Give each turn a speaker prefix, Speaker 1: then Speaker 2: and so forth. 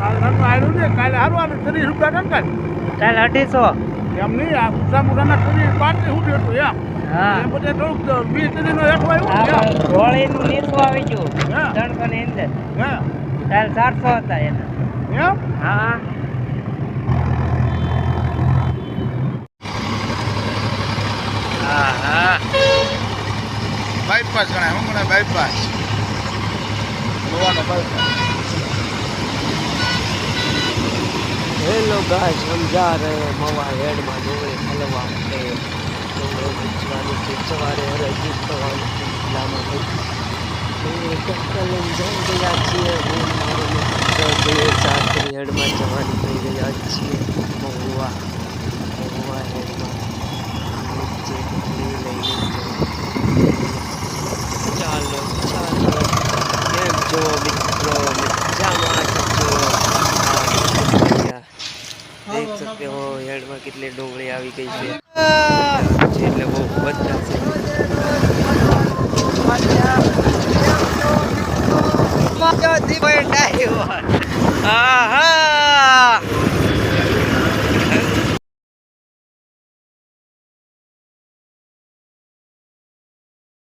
Speaker 1: આવ્યું ને કાલે હારવાનું 30 રૂપિયા કાલે
Speaker 2: કાલ 250
Speaker 1: એમ નહીં આ સામુદાના 30 5 સુધી હતું એમ
Speaker 2: હા
Speaker 1: એ બધે થોડુંક 20 નો હેઠું આવ્યું
Speaker 2: ગોળીનું નીચું આવી ગયું
Speaker 1: હા
Speaker 2: 300 ની અંદર
Speaker 1: હા
Speaker 2: કાલ 400 હતા એના
Speaker 1: એમ
Speaker 2: હા હા
Speaker 1: બાયપાસ ગણાય હું ગણાય બાયપાસ ગોવાનો બાયપાસ
Speaker 2: हेलो गाइस हम जा रहे हैं मवा हेड में डोंगरी हलवा पे डोंगरी बेचवानी थी सवारे हराजी करवानी थी जिल्लाમાં ડોંગરી ટક્કર લઈને જઈ ગયા છીએ હું મારો મિત્ર 2-4 હેડમાં જવાની થઈ ગયા છીએ મહુવા હેડમાં નીચે લઈને ચાલો કેમ છો મિત્રો મજામાં છો देख सकते हो हेड में कितने डोंगरी આવી ગઈ છે એટલે બહુ બધા છે મજા દી બેઠા આહા